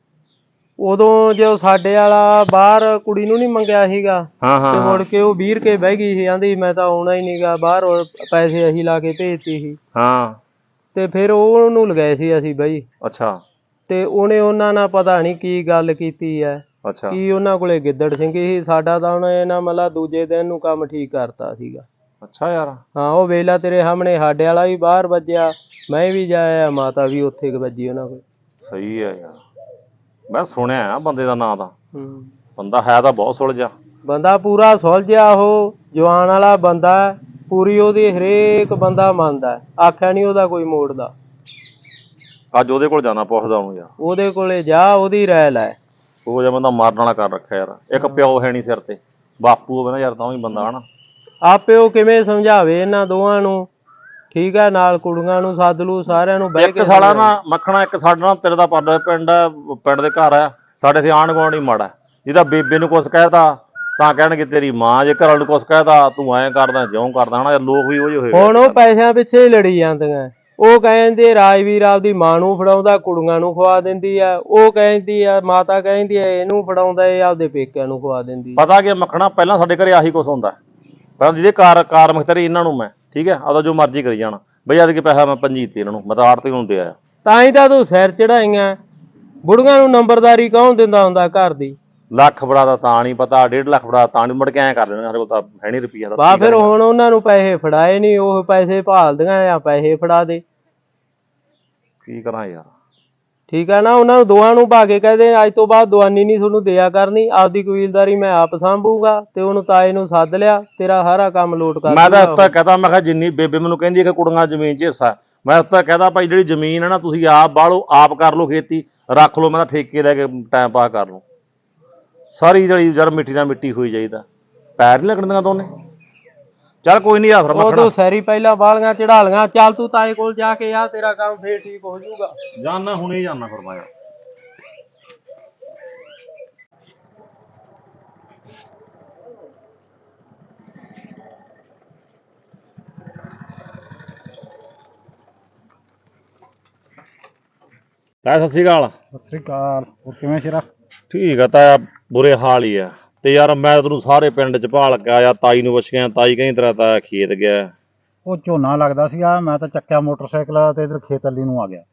S4: ਉਦੋਂ ਜੋ ਸਾਡੇ ਵਾਲਾ ਬਾਹਰ ਕੁੜੀ ਨੂੰ ਨੀ ਮੰਗਿਆ ਸੀਗਾ,
S2: ਹਾਂ ਹਾਂ
S4: ਤੇ
S2: ਹਾਂ
S4: ਮੁੜ ਕੇ ਉਹ ਵੀਰ ਕੇ ਬਹਿ ਗਈ ਸੀ, ਆਂਦੀ ਮੈਂ ਤਾਂ ਆਉਣਾ ਹੀ ਨੀਗਾ ਬਾਹਰ, ਪੈਸੇ ਅਸੀਂ ਲਾ ਕੇ ਭੇਜਤੀ ਸੀ।
S2: ਹਾਂ
S4: ਤੇ ਫਿਰ ਉਹਨੂੰ ਲਗਾਏ ਸੀ ਅਸੀਂ ਬਈ,
S2: ਅੱਛਾ
S4: ਤੇ ਉਹਨੇ ਉਹਨਾਂ ਨਾਲ ਪਤਾ ਨੀ ਕੀ ਗੱਲ ਕੀਤੀ ਐ,
S2: ਅੱਛਾ
S4: ਕੀ ਉਹਨਾਂ ਕੋਲੇ ਗਿੱਦੜ ਸਿੰਘੀ ਸੀ। ਸਾਡਾ ਤਾਂ ਉਹਨੇ ਇਹਨਾਂ ਮਤਲਬ ਦੂਜੇ ਦਿਨ ਨੂੰ ਕੰਮ ਠੀਕ ਕਰਤਾ ਸੀਗਾ।
S2: ਅੱਛਾ ਯਾਰ,
S4: ਹਾਂ ਉਹ ਵੇਲਾ ਤੇਰੇ ਸਾਹਮਣੇ ਸਾਡੇ ਵਾਲਾ ਵੀ ਬਾਹਰ ਵੱਜਿਆ, ਮੈਂ ਵੀ ਜਾਇਆ, ਮਾਤਾ ਵੀ ਉੱਥੇ ਕੁ ਵੱਜੀ ਉਹਨਾਂ ਕੋਲ।
S2: ਸਹੀ ਹੈ ਯਾਰ, ਮੈਂ ਸੁਣਿਆ ਆ ਬੰਦੇ ਦਾ ਨਾਂ ਤਾਂ,
S4: ਹੂੰ
S2: ਬੰਦਾ ਹੈ ਤਾਂ ਬਹੁਤ ਸੁਲਝਿਆ।
S4: ਬੰਦਾ ਪੂਰਾ ਸੁਲਝਿਆ, ਉਹ ਜਵਾਨ ਵਾਲਾ ਬੰਦਾ, ਪੂਰੀ ਉਹਦੀ ਹਰੇਕ ਬੰਦਾ ਮੰਨਦਾ, ਆਖਿਆ ਨੀ ਉਹਦਾ ਕੋਈ ਮੋੜਦਾ।
S2: ਅੱਜ ਉਹਦੇ ਕੋਲ ਜਾਣਾ, ਪੁੱਛਦਾ ਉਹਨੂੰ ਯਾਰ,
S4: ਉਹਦੇ ਕੋਲੇ ਜਾ, ਉਹਦੀ ਰਾਇ ਲੈ।
S2: ਉਹ ਜਿਹਾ ਬੰਦਾ ਮਾਰਨ ਵਾਲਾ ਕਰ ਰੱਖਿਆ ਯਾਰ। ਇੱਕ ਪਿਓ ਹੈ ਨਹੀਂ ਸਿਰ ਤੇ, ਬਾਪੂ ਹੋਵੇ ਨਾ ਯਾਰ ਤਾਂ ਵੀ ਬੰਦਾ ਹਨਾ।
S4: ਆਪੇ ਉਹ ਕਿਵੇਂ ਸਮਝਾਵੇ ਇਹਨਾਂ ਦੋਵਾਂ ਨੂੰ, ਠੀਕ ਹੈ, ਨਾਲ ਕੁੜੀਆਂ ਨੂੰ ਸੱਦ ਲੂ, ਸਾਰਿਆਂ ਨੂੰ ਬਹਿ ਕੇ
S2: ਇੱਕ ਸਾਲਾ ਨਾ ਮੱਖਣਾ, ਇੱਕ ਸਾਡਾ ਨਾ ਤੇਰੇ ਦਾ ਪਰਲੇ ਪਿੰਡ ਹੈ, ਪਿੰਡ ਦੇ ਘਰ ਆ ਸਾਡੇ, ਇੱਥੇ ਆਂਢ ਗੁਆਂਢ ਹੀ ਮਾੜਾ। ਜਿਹਦਾ ਬੇਬੇ ਨੂੰ ਕੁਛ ਕਹਿਤਾ ਤਾਂ ਕਹਿਣਗੇ ਤੇਰੀ ਮਾਂ, ਜੇ ਘਰ ਵਾਲੇ ਨੂੰ ਕੁਛ ਕਹਿਤਾ ਤੂੰ ਐਂ ਕਰਦਾ ਜਿਉਂ ਕਰਦਾ ਹਨਾ। ਲੋਕ ਵੀ ਉਹ ਜਿਹੇ ਹੋਏ।
S4: ਹੁਣ ਉਹ ਪੈਸਿਆਂ ਪਿੱਛੇ ਹੀ ਲੜੀ ਜਾਂਦੀਆਂ। ਉਹ ਕਹਿੰਦੇ ਰਾਜਵੀਰ ਆਪਦੀ ਮਾਂ ਨੂੰ ਫੜਾਉਂਦਾ, ਕੁੜੀਆਂ ਨੂੰ ਖਵਾ ਦਿੰਦੀ ਆ। ਉਹ ਕਹਿੰਦੀ ਆ, ਮਾਤਾ ਕਹਿੰਦੀ ਆ ਇਹਨੂੰ ਫੜਾਉਂਦਾ, ਇਹ ਆਪਦੇ ਪੇਕਿਆਂ ਨੂੰ ਖਵਾ ਦਿੰਦੀ।
S2: ਪਤਾ ਕੀ ਮੱਖਣਾ, ਪਹਿਲਾਂ ਸਾਡੇ ਘਰੇ ਆਹੀ ਕੁਛ ਹੁੰਦਾ। ਪਹਿਲਾਂ ਜਿਹਦੇ ਕਾਰ ਕਾਰ ਮਖਤਰੀ ਇਹਨਾਂ ਨੂੰ ਮੈਂ, ਠੀਕ ਹੈ, ਆਪਦਾ ਜੋ ਮਰਜ਼ੀ ਕਰੀ ਜਾਣਾ ਬਈ। ਅੱਜ ਕੇ ਪੈਸਾ ਮੈਂ ਪੰਜੀਤੀ ਇਹਨਾਂ ਨੂੰ, ਮੈਂ ਤਾਂ ਆੜਤੀ ਨੂੰ ਦੇ ਆਇਆ। ਤਾਂ
S4: ਹੀ ਤਾਂ ਤੂੰ ਸਿਰ ਚੜਾਈਆਂ। ਬੁੜੀਆਂ ਨੂੰ ਨੰਬਰਦਾਰੀ ਕੌਣ ਦਿੰਦਾ ਹੁੰਦਾ ਘਰ ਦੀ?
S2: ਲੱਖ ਫੜਾ ਦਾ ਤਾਂ ਨਹੀਂ ਪਤਾ, ਡੇਢ ਲੱਖ ਫੜਾ ਤਾਂ ਨਹੀਂ, ਮੁੜ ਕੇ ਐਂ ਕਰ ਲੈਣਾ ਸਾਡੇ ਕੋਲ ਤਾਂ ਹੈ ਨਹੀਂ ਰੁਪਈਆ ਦਾ।
S4: ਬਾ ਫਿਰ ਹੁਣ ਉਹਨਾਂ ਨੂੰ ਪੈਸੇ ਫੜਾਏ ਨਹੀਂ, ਉਹ ਪੈਸੇ ਭਾਲਦੀਆਂ ਆ, ਪੈਸੇ ਫੜਾ ਦੇ।
S2: ਕੀ ਕਰਾਂ ਯਾਰ,
S4: ਠੀਕ ਆ ਨਾ। ਉਹਨਾਂ ਨੂੰ ਦੋਵਾਂ ਨੂੰ ਭਾ ਕੇ ਕਹਦੇ ਅੱਜ ਤੋਂ ਬਾਅਦ ਦਵਾਨੀ ਨਹੀਂ ਤੁਹਾਨੂੰ ਦਿਆ ਕਰਨੀ, ਆਪਦੀ ਕਬੀਲਦਾਰੀ ਮੈਂ ਆਪ ਸਾਂਭੂਗਾ। ਤੇ ਉਹਨੂੰ ਤਾਏ ਨੂੰ ਸੱਦ ਲਿਆ, ਤੇਰਾ ਸਾਰਾ ਕੰਮ ਲੋਟ ਕਰ।
S2: ਮੈਂ ਤਾਂ ਉੱਤਾ ਕਹਤਾ, ਮੈਂ ਕਿਹਾ ਜਿੰਨੀ ਬੇਬੇ ਮੈਨੂੰ ਕਹਿੰਦੀ ਕਿ ਕੁੜੀਆਂ ਜ਼ਮੀਨ 'ਚ ਹਿੱਸਾ, ਮੈਂ ਉੱਤਾ ਕਹਦਾ ਭਾਈ ਜਿਹੜੀ ਜ਼ਮੀਨ ਹੈ ਨਾ ਤੁਸੀਂ ਆਪ ਬਾਹਲੋ, ਆਪ ਕਰ ਲਓ ਖੇਤੀ, ਰੱਖ ਲਓ, ਮੈਂ ਤਾਂ ਠੇਕੇ ਲੈ ਕੇ ਟਾਈਮ ਪਾਸ ਕਰ ਲਓ। ਸਾਰੀ ਜਿਹੜੀ ਯਾਰ ਮਿੱਟੀ ਨਾਲ ਮਿੱਟੀ ਹੋਈ ਜਾਈਦਾ, ਪੈਰ ਨਹੀਂ ਲੱਗਣ ਦੀਆਂ ਦੋਨੇ। ਚੱਲ ਕੋਈ ਨਹੀਂ ਆਸਰ
S4: ਉਹ ਤੂੰ ਸੈਰੀ ਪਹਿਲਾਂ ਬਾਲੀਆਂ ਚੜਾ ਲੀਆਂ, ਚੱਲ ਤੂੰ ਤਾਏ ਕੋਲ ਜਾ ਕੇ ਆ, ਤੇਰਾ ਕੰਮ ਫੇਰ ਠੀਕ ਹੋ ਜਾਊਗਾ।
S2: ਜਾਨਾ ਹੁਣੇ ਜਾਨਾ ਫਿਰ ਮੈਂ। ਤਾਂ ਸਤਿ ਸ਼੍ਰੀ ਅਕਾਲ।
S5: ਸਤਿ ਸ੍ਰੀ ਅਕਾਲ। ਹੋਰ ਕਿਵੇਂ ਸ਼ੇਰਾ?
S2: ਠੀਕ ਆ ਤਾਇਆ, ਬੁਰੇ ਹਾਲ ਹੀ ਆ। ਤੇ ਯਾਰ ਮੈਂ ਤੈਨੂੰ ਸਾਰੇ ਪਿੰਡ ਚ ਭਾਲ ਕੇ ਆਇਆ, ਤਾਈ ਨੂੰ ਪੁੱਛ ਗਿਆ, ਤਾਈ ਕਹਿੰਦੀ ਤੇਰਾ ਤਾਇਆ ਖੇਤ ਗਿਆ।
S5: ਉਹ ਝੋਨਾ ਲੱਗਦਾ ਸੀਗਾ, ਮੈਂ ਤਾਂ ਚੱਕਿਆ ਮੋਟਰਸਾਈਕਲ ਤੇ ਇਧਰ ਖੇਤ ਅੱਲੀ ਨੂੰ ਆ ਗਿਆ।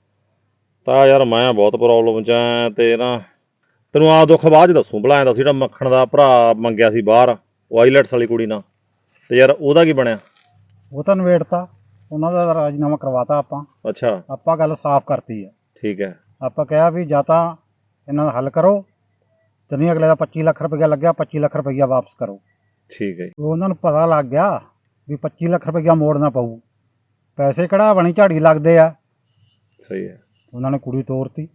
S2: ਤਾਂ ਯਾਰ ਮੈਂ ਬਹੁਤ ਪ੍ਰੋਬਲਮ ਚ ਆ, ਤੇ ਨਾ ਤੈਨੂੰ ਆ ਦੁੱਖ ਬਾਅਦ ਚ ਦੱਸੂ। ਭਲਾ ਐਂ ਦੱਸ, ਜਿਹੜਾ ਮੱਖਣ ਦਾ ਭਰਾ ਮੰਗਿਆ ਸੀ ਬਾਹਰ, ਉਹ ਆਈਲੈਟਸ ਵਾਲੀ ਕੁੜੀ ਨਾਲ, ਤੇ ਯਾਰ ਉਹਦਾ ਕੀ ਬਣਿਆ?
S5: ਉਹ ਤਾਂ ਨਵੇੜਤਾ, ਉਹਨਾਂ ਦਾ ਰਾਜੀਨਾਮਾ ਕਰਵਾਤਾ ਆਪਾਂ।
S2: ਅੱਛਾ,
S5: ਆਪਾਂ ਗੱਲ ਸਾਫ਼ ਕਰਤੀ ਹੈ।
S2: ਠੀਕ ਹੈ।
S5: ਆਪਾਂ ਕਿਹਾ ਵੀ ਜਾਂ ਤਾਂ ਇਹਨਾਂ ਦਾ ਹੱਲ ਕਰੋ, ਤੇ ਨਹੀਂ ਅਗਲੇ ਦਾ ਪੱਚੀ ਲੱਖ ਰੁਪਈਆ ਲੱਗਿਆ, ਪੱਚੀ ਲੱਖ ਰੁਪਈਆ ਵਾਪਸ ਕਰੋ।
S2: ਠੀਕ ਹੈ।
S5: ਉਹਨਾਂ ਨੂੰ ਪਤਾ ਲੱਗ ਗਿਆ ਵੀ ਪੱਚੀ ਲੱਖ ਰੁਪਈਆ ਮੋੜਨਾ ਪਊ, ਪੈਸੇ ਕਿਹੜਾ ਬਣੀ ਝਾੜੀ ਲੱਗਦੇ ਆ।
S2: ਸਹੀ ਹੈ।
S5: ਉਹਨਾਂ ਨੇ ਕੁੜੀ ਤੋਰਤੀ।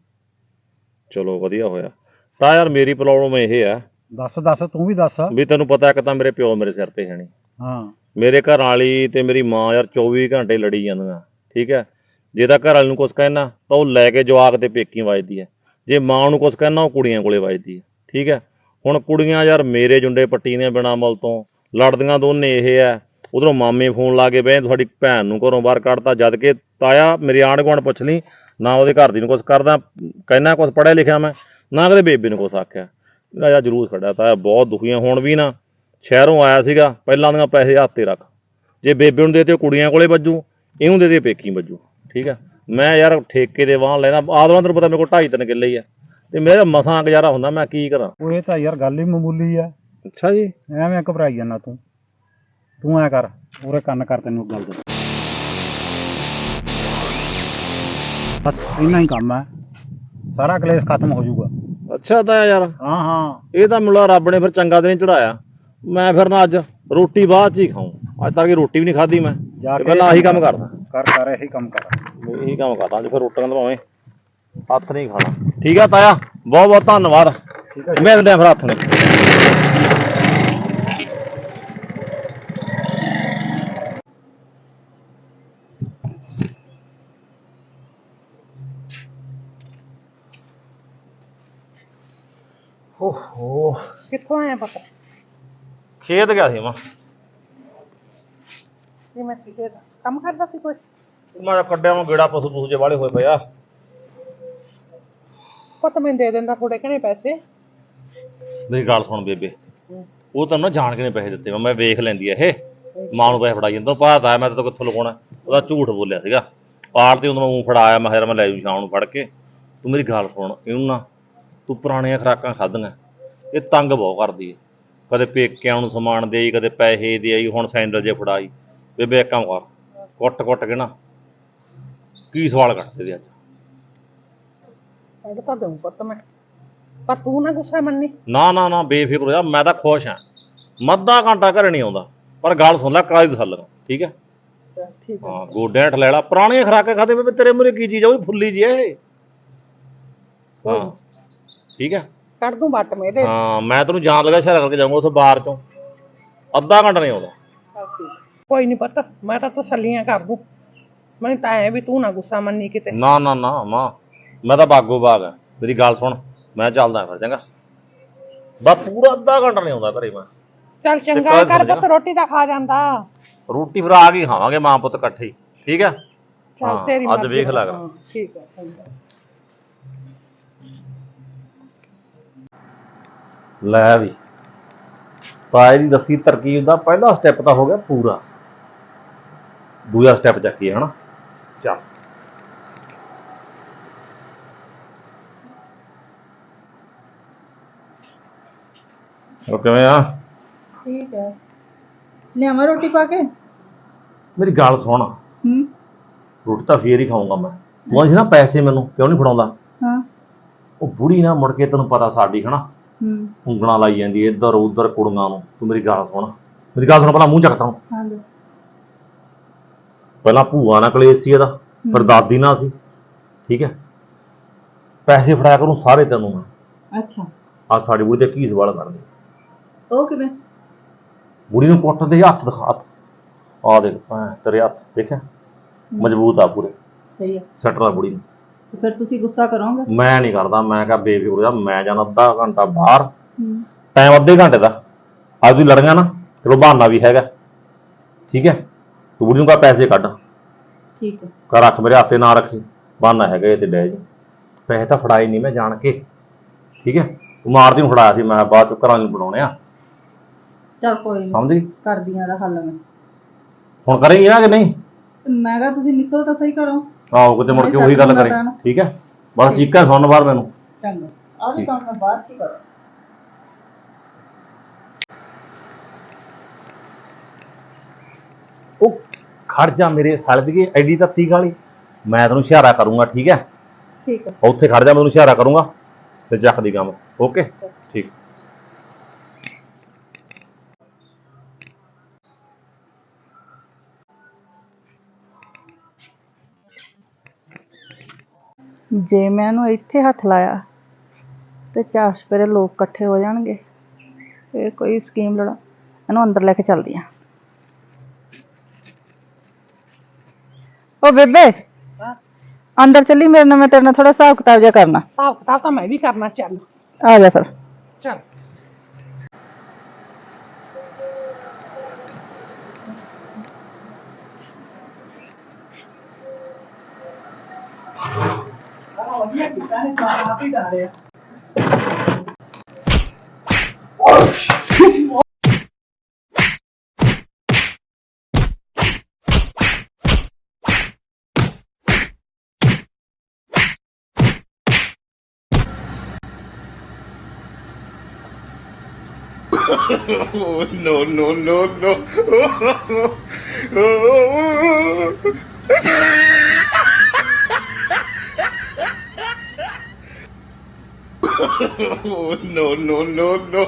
S2: ਚਲੋ ਵਧੀਆ ਹੋਇਆ। ਤਾਂ ਯਾਰ ਮੇਰੀ ਪ੍ਰੋਬਲਮ ਇਹ ਆ।
S5: ਦੱਸ ਦੱਸ ਤੂੰ ਵੀ ਦੱਸ।
S2: ਵੀ ਤੈਨੂੰ ਪਤਾ, ਇੱਕ ਤਾਂ ਮੇਰੇ ਪਿਓ ਮੇਰੇ ਸਿਰ ਤੇ ਹੈ ਨਹੀਂ,
S5: ਹਾਂ,
S2: ਮੇਰੇ ਘਰ ਵਾਲੀ ਤੇ ਮੇਰੀ ਮਾਂ ਯਾਰ ਚੌਵੀ ਘੰਟੇ ਲੜੀ ਜਾਂਦੀਆਂ, ਠੀਕ ਹੈ। ਜੇ ਤਾਂ ਘਰ ਵਾਲੇ ਨੂੰ ਕੁਛ ਕਹਿਣਾ ਤਾਂ ਉਹ ਲੈ ਕੇ ਜਵਾਕ ਤੇ ਪੇਕੀ ਵੱਜਦੀ ਹੈ, ਜੇ ਮਾਂ ਨੂੰ ਕੁਛ ਕਹਿਣਾ ਉਹ ਕੁੜੀਆਂ ਕੋਲੇ ਵੱਜਦੀ ਹੈ, ਠੀਕ ਹੈ। ਹੁਣ ਕੁੜੀਆਂ ਯਾਰ ਮੇਰੇ ਜੁੰਡੇ ਪੱਟੀ ਦੀਆਂ ਬਿਨਾਂ ਮੁੱਲ ਤੋਂ ਲੜਦੀਆਂ ਦੋਨੇ ਇਹ ਹੈ। ਉਧਰੋਂ ਮਾਮੇ ਫੋਨ ਲਾ ਕੇ ਬਹਿ ਤੁਹਾਡੀ ਭੈਣ ਨੂੰ ਘਰੋਂ ਬਾਹਰ ਕੱਢਤਾ, ਜਦ ਕਿ ਤਾਇਆ ਮੇਰੇ ਆਂਢ ਗੁਆਂਢ ਪੁੱਛ ਲਈ ਨਾ, ਉਹਦੇ ਘਰ ਦੀ ਨੂੰ ਕੁਛ ਕਰਦਾ, ਕਹਿਣਾ ਕੁਛ ਪੜ੍ਹਿਆ ਲਿਖਿਆ ਮੈਂ, ਨਾ ਕਦੇ ਬੇਬੇ ਨੂੰ ਕੁਛ ਆਖਿਆ। ਯਾਰ ਜਰੂਰ ਖੜਿਆ ਤਾਇਆ, ਬਹੁਤ ਦੁਖੀਆਂ। ਹੁਣ ਵੀ ਨਾ ਸ਼ਹਿਰੋਂ ਆਇਆ ਸੀਗਾ, ਪਹਿਲਾਂ ਦੀਆਂ ਪੈਸੇ ਹੱਥ ਤੇ ਰੱਖ, ਜੇ ਬੇਬੇ ਨੂੰ ਦੇ ਤੇ ਕੁੜੀਆਂ ਕੋਲੇ ਵੱਜੂ, ਇਹਨੂੰ ਦੇ ਦੇ ਪੇਕੀ ਵੱਜੂ, ਠੀਕ ਹੈ। ਮੈਂ ਯਾਰ ਠੇਕੇ ਦੇ ਵਾਹਨ ਲੈਣਾ, ਆਦਵਾਂ ਤੈਨੂੰ ਪਤਾ ਮੇਰੇ ਕੋਲ ਢਾਈ ਤਿੰਨ ਕਿੱਲੇ ਹੀ ਆ, ਤੇ ਮੇਰਾ ਮਸਾਂ ਗੁਜ਼ਾਰਾ ਹੁੰਦਾ, ਮੈਂ ਕੀ ਕਰਾਂ?
S5: ਉਹ ਇਹ ਤਾਂ ਯਾਰ ਗੱਲ ਹੀ ਮਾਮੂਲੀ ਆ।
S2: ਅੱਛਾ ਜੀ,
S5: ਐਵੇਂ ਘਬਰਾਈ ਜਾਂਦਾ ਤੂੰ। ਤੂੰ ਐ ਕਰ, ਪੂਰੇ ਕੰਨ ਕਰ, ਤੈਨੂੰ ਗੱਲ ਦੱਸ। ਬਸ ਇੰਨਾ ਹੀ ਕੰਮ ਹੈ, ਸਾਰਾ ਕਲੇਸ਼ ਖਤਮ ਹੋ ਜਾਊਗਾ।
S2: ਅੱਛਾ ਤਾਇਆ ਯਾਰ,
S5: ਹਾਂ ਹਾਂ
S2: ਇਹ ਤਾਂ ਮੁਲਾ ਰੱਬ ਨੇ ਫਿਰ ਚੰਗਾ ਦਿਨ ਚੜਾਇਆ। ਮੈਂ ਫਿਰ ਨਾ ਅੱਜ ਰੋਟੀ ਬਾਅਦ ਚ ਹੀ ਖਾਊਂ। ਅੱਜ ਤੱਕ ਰੋਟੀ ਵੀ ਨਹੀਂ ਖਾਧੀ ਮੈਂ,
S5: ਜਾ
S2: ਤੇ
S5: ਕੇ
S2: ਪਹਿਲਾਂ ਆਹੀ ਕੰਮ ਕਰਦਾ।
S5: ਕਰ ਕਰ ਇਹੀ ਕੰਮ ਕਰ।
S2: ਇਹੀ ਕੰਮ ਕਰਦਾ ਅੱਜ ਫਿਰ ਰੋਟੀਆਂ ਤਾਂ ਭਾਵੇਂ ਹੱਥ ਨਹੀਂ ਖਾਣਾ। ਠੀਕ ਆ ਤਾਇਆ, ਬਹੁਤ ਬਹੁਤ ਧੰਨਵਾਦ।
S5: ਠੀਕ ਹੈ
S2: ਮਿਲਦੇ ਆ ਫਿਰ ਹੱਥ ਨੇ। ਓਹੋ,
S3: ਕਿੱਥੋਂ ਆਇਆ ਪਤਾ
S2: ਖੇਤ ਗਿਆ ਸੀ ਮੈਂ।
S3: ਜੀ ਮੈਂ ਸਿੱਖੇ ਦਾ ਕੰਮ ਕਰਦਾ ਸੀ ਕੋਈ।
S2: ਮੈਂ ਤਾਂ ਕੱਢਿਆ ਮੈਂ ਗੇੜਾ, ਪਸ਼ੂ ਪਸ਼ੂ ਜੇ ਵਾਲੇ ਹੋਏ ਪਏ ਆ।
S3: ਪੁੱਤ ਮੈਨੂੰ ਦੇ ਦਿੰਦਾ ਥੋੜੇ ਘਣੇ ਪੈਸੇ।
S2: ਮੇਰੀ ਗੱਲ ਸੁਣ ਬੇਬੇ, ਉਹ ਤਾਂ ਨਾ ਜਾਣ ਕੇ ਨੇ ਪੈਸੇ ਦਿੱਤੇ। ਮੈਂ ਵੇਖ ਲੈਂਦੀ ਆ ਇਹ ਮਾਂ ਨੂੰ ਪੈਸੇ ਫੜਾਈ ਜਾਂਦਾ। ਪਤਾ ਮੈਂ ਤਾਂ ਕਿੱਥੋਂ ਲਗਾਉਣਾ, ਉਹਦਾ ਝੂਠ ਬੋਲਿਆ ਸੀਗਾ। ਪਾਰ ਤੇ ਉਦੋਂ ਮੈਂ ਫੜਾਇਆ, ਮੈਂ ਕਿਹਾ ਮੈਂ ਲੈ ਜੂ ਸ਼ਾਮ ਨੂੰ ਫੜ ਕੇ। ਤੂੰ ਮੇਰੀ ਗੱਲ ਸੁਣ, ਇਹਨੂੰ ਨਾ ਤੂੰ ਪੁਰਾਣੀਆਂ ਖੁਰਾਕਾਂ ਖਾਧੀਆਂ, ਇਹ ਤੰਗ ਬਹੁਤ ਕਰਦੀ ਹੈ। ਕਦੇ ਪੇਕਿਆਂ ਨੂੰ ਸਮਾਨ ਦੇ ਆਈ, ਕਦੇ ਪੈਸੇ ਦੇ ਆਈ, ਹੁਣ ਸੈਂਡਲ ਜੇ ਫੜਾਈ। ਬੇਬੇ ਇੱਕ ਕੰਮ ਕਰ, ਕੁੱਟ ਕੁੱਟ ਕੇ ਨਾ ਕੀ ਸਵਾਲ ਕੱਢਦੇ ਦੇ ਅੱਜ।
S3: ਕੱਢ ਤਾਂ ਦਊਂ ਪੁੱਤ ਮੈਂ, ਪਰ ਤੂੰ ਨਾ ਗੁੱਸਾ ਮੰਨੀ।
S2: ਨਾ ਨਾ ਨਾ ਬੇਫਿਕਰ ਹੋ ਜਾ, ਮੈਂ ਤਾਂ ਖੁਸ਼ ਹਾਂ। ਮੱਧਾ ਘੰਟਾ ਘਰੇ ਨਹੀਂ ਆਉਂਦਾ, ਪਰ ਗੱਲ ਸੁਣ ਲੈ ਕਾਲੀ ਦਸਲ, ਠੀਕ ਹੈ।
S3: ਠੀਕ ਹੈ
S2: ਹਾਂ ਗੋਡਿਆਂ ਠ ਲੈ ਲਾ। ਪੁਰਾਣੀਆਂ ਖੁਰਾਕਾਂ ਖਾਦੇ ਬੇਬੇ, ਤੇਰੇ ਮੂਹਰੇ ਕੀ ਚੀਜ਼ ਆ, ਉਹ ਵੀ ਫੁੱਲੀ ਜੀ ਇਹ। ਹਾਂ ਠੀਕ ਹੈ,
S3: ਕੱਢ ਦੂੰ ਬੱਟ ਮੇਰੇ।
S2: ਹਾਂ ਮੈਂ ਤੈਨੂੰ ਜਾਣ ਲੱਗਾ ਸ਼ਹਿਰ ਕਰਕੇ ਜਾਊਂਗਾ ਉੱਥੇ ਬਾਹਰ ਚੋਂ। ਅੱਧਾ ਘੰਟਾ ਨਹੀਂ ਆਉਂਦਾ।
S3: ਕੋਈ ਨਹੀਂ ਪੁੱਤ, ਮੈਂ ਤਾਂ ਤਸੱਲੀਆਂ ਕਰ ਦੂੰ। ਮੈਨੂੰ ਤਾਂ ਐ ਵੀ ਤੂੰ ਨਾ ਗੁੱਸਾ ਮੰਨੀ ਕਿਤੇ।
S2: ਨਾ ਨਾ ਨਾ ਮਾਂ, ਮੈਂ ਤਾਂ ਬਾਗੋ ਬਾਗ ਆ। ਮੇਰੀ ਗੱਲ ਸੁਣ, ਮੈਂ ਚੱਲਦਾ ਫਿਰ ਚੰਗਾ। ਬਸ ਪੂਰਾ ਅੱਧਾ ਘੰਟਾ ਨਹੀਂ ਆਉਂਦਾ ਘਰੇ ਮੈਂ।
S3: ਚੱਲ ਚੰਗਾ ਕਰ ਪੁੱਤ, ਰੋਟੀ ਤਾਂ ਖਾ ਜਾਂਦਾ।
S2: ਰੋਟੀ ਫਿਰ ਆ ਕੇ ਖਾਵਾਂਗੇ ਮਾਂ ਪੁੱਤ ਇਕੱਠੇ ਹੀ, ਠੀਕ ਹੈ।
S3: ਚੱਲ ਤੇਰੀ
S2: ਅੱਜ
S3: ਮਰਜ਼ੀ।
S2: ਵੇਖ ਲੱਗ
S3: ਹਾਂ, ਠੀਕ ਹੈ ਚੰਗਾ।
S2: ਲੈ ਵੀ ਤਾਏ ਦੀ ਦੱਸੀ ਤਰਕੀਬ ਦਾ ਪਹਿਲਾ ਸਟੈਪ ਤਾਂ ਹੋ ਗਿਆ ਪੂਰਾ। ਦੂਜਾ ਸਟੈਪ ਚੱਕੀਏ ਹਨਾ। ਚੱਲ ਉਹ ਕਿਵੇਂ ਆ?
S1: ਠੀਕ ਹੈ, ਲਿਆਵਾਂ ਰੋਟੀ ਪਾ ਕੇ?
S2: ਮੇਰੀ ਗੱਲ ਸੁਣ,
S1: ਹੂੰ
S2: ਰੋਟੀ ਤਾਂ ਫੇਰ ਹੀ ਖਾਊਂਗਾ ਮੈਂ। ਤੂੰ ਅੱਜ ਨਾ ਪੈਸੇ ਮੈਨੂੰ ਕਿਉਂ ਨਹੀਂ ਫੜਾਉਂਦਾ?
S1: ਹਾਂ
S2: ਉਹ ਬੁੜੀ ਨਾ ਮੁੜ ਕੇ ਤੈਨੂੰ ਪਤਾ ਸਾਡੀ ਹਨਾ
S1: ਹੂੰ
S2: ਉਂਗਲਾਂ ਲਾਈ ਜਾਂਦੀ ਇੱਧਰ ਉੱਧਰ ਕੁੜੀਆਂ ਨੂੰ। ਤੂੰ ਮੇਰੀ ਗੱਲ ਸੁਣ, ਮੇਰੀ ਗੱਲ ਸੁਣ, ਪਹਿਲਾਂ ਮੂੰਹ ਚੱਕਦਾ।
S1: ਹਾਂ ਦੱਸ।
S2: ਪਹਿਲਾਂ ਭੂਆ ਨਾਲ ਕਲੇਸ਼ ਸੀ ਇਹਦਾ, ਫਿਰ ਦਾਦੀ ਨਾਲ ਸੀ, ਠੀਕ ਹੈ। ਪੈਸੇ ਫੜਾਇਆ ਕਰੂੰ ਸਾਰੇ ਤੈਨੂੰ ਮੈਂ।
S1: ਅੱਛਾ,
S2: ਆ ਸਾਡੀ ਬੁੜੀ ਤੇ ਕੀ ਸਵਾਲ ਕਰਦੇ?
S1: ਉਹ ਕਿਵੇਂ?
S2: ਬੁੜੀ ਨੂੰ ਕੁੱਟ ਦੇ, ਹੱਥ ਦਿਖਾ, ਹੱਥ ਆ ਦੇਖ ਭੈਣ ਤੇਰੇ ਹੱਥ ਦੇਖਿਆ, ਮਜ਼ਬੂਤ ਆ ਪੂਰੇ।
S1: ਸਹੀ ਹੈ,
S2: ਸੱਟ ਲਾ ਬੁੜੀ ਨੂੰ।
S1: ਤੇ ਫਿਰ ਤੁਸੀਂ ਗੁੱਸਾ ਕਰੋਗੇ?
S2: ਮੈਂ ਨਹੀਂ ਕਰਦਾ, ਮੈਂ ਕਿਹਾ ਬੇਫਿਕਰ ਹੋ ਜਾ। ਮੈਂ ਜਾਣਾ ਅੱਧਾ ਘੰਟਾ ਬਾਹਰ,
S1: ਹੂੰ
S2: ਟਾਈਮ ਅੱਧੇ ਘੰਟੇ ਦਾ। ਅੱਜ ਤੁਸੀਂ ਲੜੀਆਂ ਨਾ, ਚਲੋ ਬਹਾਨਾ ਵੀ ਹੈਗਾ, ਠੀਕ ਹੈ। ਤੂੰ ਬੁੜੀ ਨੂੰ ਕਹਾ ਪੈਸੇ ਕੱਢ,
S1: ਠੀਕ ਹੈ।
S2: ਘਰ ਰੱਖ, ਮੇਰੇ ਹੱਥੇ ਨਾ ਰੱਖੀ, ਬਹਾਨਾ ਹੈਗਾ ਇਹ ਤੇ ਡੈ ਜੀ। ਪੈਸੇ ਤਾਂ ਫੜਾਏ ਨਹੀਂ ਮੈਂ ਜਾਣ ਕੇ, ਠੀਕ ਹੈ। ਤੂੰ ਮਾਰਦੀ ਨੂੰ ਫੜਾਇਆ ਸੀ, ਮੈਂ ਬਾਅਦ ਚ ਘਰਾਂ ਨੂੰ ਬਣਾਉਣੇ ਆ।
S1: ਚਲ ਕੋਈ ਨਹੀਂ,
S2: ਸਮਝ ਗਈ?
S1: ਕਰਦੀਆਂ ਦਾ ਹੱਲ ਮੈਂ।
S2: ਹੁਣ ਕਰੇਂਗੀ ਨਾ ਕਿ ਨਹੀਂ?
S1: ਮੈਂ ਕਿਹਾ ਤੁਸੀਂ ਨਿਕਲੋ ਤਾਂ ਸਹੀ ਕਰੋ।
S2: ਆਹੋ ਕਿਤੇ ਮੁੜ ਕੇ ਉਹੀ ਗੱਲ ਕਰੇ, ਠੀਕ ਹੈ। ਬਸ ਚੀਕਾਂ ਸੁਣ ਬਾਹਰ ਮੈਨੂੰ।
S1: ਚੰਗਾ, ਆਹ ਵੀ ਕੰਮ ਮੈਂ ਬਾਅਦ ਚ ਹੀ ਕਰਾਂ।
S2: ਉਹ ਖੜ ਜਾ ਮੇਰੇ ਸਾਲੇ ਦੀ ਐਡੀ ਤੱਤੀ ਗਾਲੀ। ਮੈਂ ਤੈਨੂੰ ਇਸ਼ਾਰਾ ਕਰੂੰਗਾ, ਠੀਕ ਹੈ।
S1: ਠੀਕ ਹੈ,
S2: ਉੱਥੇ ਖੜ ਜਾ, ਮੈਂ ਤੈਨੂੰ ਇਸ਼ਾਰਾ ਕਰੂੰਗਾ ਤੇ ਚੱਕਦੀ ਕੰਮ। ਓਕੇ ਠੀਕ।
S1: ਜੇ ਮੈਂ ਇਹਨੂੰ ਇੱਥੇ ਹੱਥ ਲਾਇਆ ਤੇ ਚਾਰ ਸਪੇਰੇ ਲੋਕ ਇਕੱਠੇ ਹੋ ਜਾਣਗੇ। ਇਹ ਕੋਈ ਸਕੀਮ ਲੜਾ, ਇਹਨੂੰ ਅੰਦਰ ਲੈ ਕੇ ਚੱਲਦੀ ਆ। ਉਹ ਬੇਬੇ, ਅੰਦਰ ਚੱਲੀ ਮੇਰੇ ਨਾਲ, ਮੈਂ ਤੇਰੇ ਨਾਲ ਥੋੜਾ ਹਿਸਾਬ ਕਿਤਾਬ ਜਿਹਾ ਕਰਨਾ।
S3: ਹਿਸਾਬ ਕਿਤਾਬ ਤਾਂ ਮੈਂ ਵੀ ਕਰਨਾ। ਚੱਲ
S1: ਆ ਜਾ ਫਿਰ।
S3: ਚੱਲ ਵਧੀਆ ਕੀਤਾ ਹੈ, ਆਪ ਹੀ ਡਾਰਿਆ।
S6: Oh, no, no, no, no. Oh, no, no, no, no.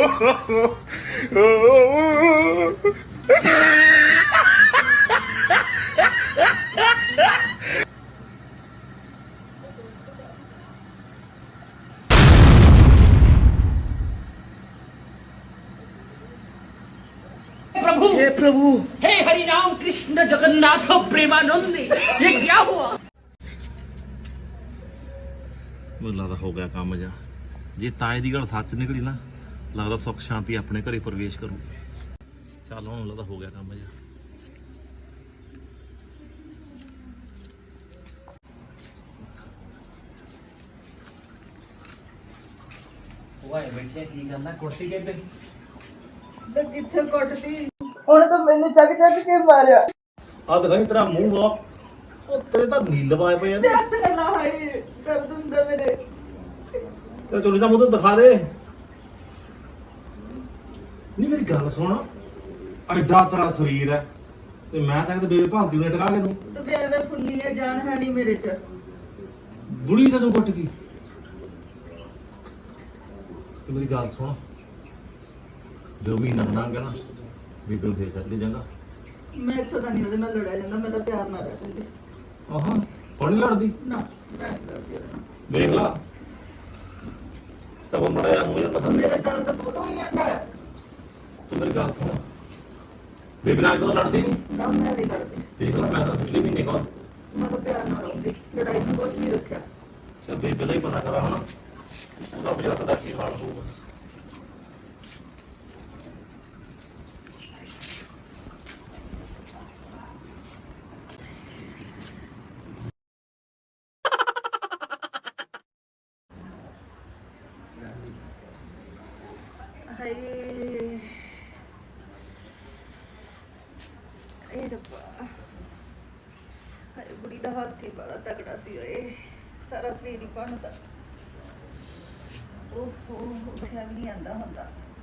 S7: प्रभु हे प्रभु हे हरि राम कृष्ण जगन्नाथ प्रेमानंद ये क्या हुआ।
S2: ਮੈਨੂੰ ਲੱਗਦਾ ਹੋ ਗਿਆ ਕੰਮ ਜਾ। ਜੇ ਤਾਏ ਦੀ ਗੱਲ ਸੱਚ ਨਿਕਲੀ ਨਾ, ਲੱਗਦਾ ਸੁੱਖ ਸ਼ਾਂਤੀ ਆਪਣੇ ਘਰੇ ਪ੍ਰਵੇਸ਼ ਕਰੂ। ਚੱਲ ਹੁਣ ਲੱਗਦਾ ਹੋ ਗਿਆ ਕੰਮ ਜਾ। ਵਾਏ ਬੈਠਿਆ ਕੀ ਕਰਨਾ ਕੁਰਸੀ ਤੇ
S1: ਤੇ ਕਿੱਥੇ ਕੁੱਟਦੀ ਹੁਣ ਤਾਂ ਮੈਨੂੰ ਚੱਕ ਚੱਕ ਕੇ ਮਾਰਿਆ।
S2: ਆ ਦਿਖਾਈ ਤੇਰਾ ਮੂੰਹ ਵਾ, ਉਹ ਤੇਰੇ ਤਾਂ ਨੀਲ ਪਾਏ ਪਏ ਆ।
S1: ਹੱਥ ਨਾ ਲਾਈ ਦਰਦ ਹੁੰਦਾ ਮੇਰੇ।
S2: ਤੇ ਤੂੰ ਤਾਂ ਮੂੰਹ ਤੇ ਦਿਖਾ ਦੇ। ਨਹੀਂ ਮੇਰੀ ਗੱਲ ਸੁਣ, ਐਡਾ ਤੇਰਾ ਸਰੀਰ ਹੈ ਤੇ ਮੈਂ ਤਾਂ ਕਿਤੇ ਬੇਬੇ ਭਾਂਤੀ ਨੇ ਟਕਾ ਕੇ ਤੂੰ
S1: ਤੇ ਬੇਵੇ ਫੁੱਲੀ ਹੈ, ਜਾਨ ਹੈ ਨਹੀਂ ਮੇਰੇ ਚ।
S2: ਬੁੜੀ ਤਾਂ ਤੂੰ ਕੁੱਟ ਗਈ। ਤੇ ਮੇਰੀ ਗੱਲ ਸੁਣ, ਜੋ ਮਹੀਨਾ ਲੰਘ ਗਿਆ ਨਾ ਬੀਬੀ ਨੂੰ ਫੇਰ ਛੱਡ ਲਈ ਜਾਂਗਾ।
S1: ਮੈਂ ਇੱਥੋਂ ਤਾਂ ਨਹੀਂ ਉਹਦੇ ਨਾਲ ਲੜਿਆ ਜਾਂਦਾ, ਮੈਂ ਤਾਂ ਪਿਆਰ ਨਾਲ ਰਹਿ ਜਾਂਦੀ।
S2: ਆਹਾਂ ਹੁਣ ਨੀ ਲੜਦੀ।
S1: ਨਾ ਮੈਂ ਨਹੀਂ ਲੜਦੀ ਉਹਦੇ ਨਾਲ।
S2: ਦੇਖ ਲਾ ਤਬ ਮੜਿਆ ਮੂੰਹ ਤਾਂ
S1: ਮੇਰੇ ਗੱਲ ਤਾਂ ਬੋਲੋ ਹੀ ਜਾਂਦਾ ਹੈ।
S2: ਤੂੰ ਮੇਰੀ ਗੱਲ ਸੁਣ, ਬੀਬੀ ਨਾਲ ਤਾਂ ਲੜਦੀ ਨਹੀਂ।
S1: ਨਾ ਮੈਂ ਨਹੀਂ ਲੜਦੀ,
S2: ਦੇਖ ਲਾ ਮੈਂ ਤਾਂ ਪਿਛਲੇ ਮਹੀਨੇ ਕੋਲ
S1: ਮੈਂ ਤਾਂ ਪਿਆਰ ਨਾਲ ਰਹੂੰਗੀ। ਲੜਾਈ ਨੂੰ ਕੁਛ ਨਹੀਂ ਰੱਖਿਆ।
S2: ਤੇ ਬੀਬੀ ਦਾ ਹੀ ਪਤਾ ਕਰਾ ਹੁਣ ਉਹਦਾ ਬਜਾਤ ਦਾ ਕੀ ਹਾਲ ਹੋਊਗਾ।
S1: ਹਾਏ ਇਹ ਰੱਬਾ, ਹਾਏ ਬੁੜੀ ਦਾ ਹੱਥ ਹੀ ਬੜਾ ਤਗੜਾ ਸੀ। ਓਏ ਸਾਰਾ ਸਰੀਰ ਹੀ ਬਣਦਾ। ਓਹੋ ਉੱਠਿਆ ਵੀ ਨਹੀਂ ਆਂਦਾ ਹੁੰਦਾ।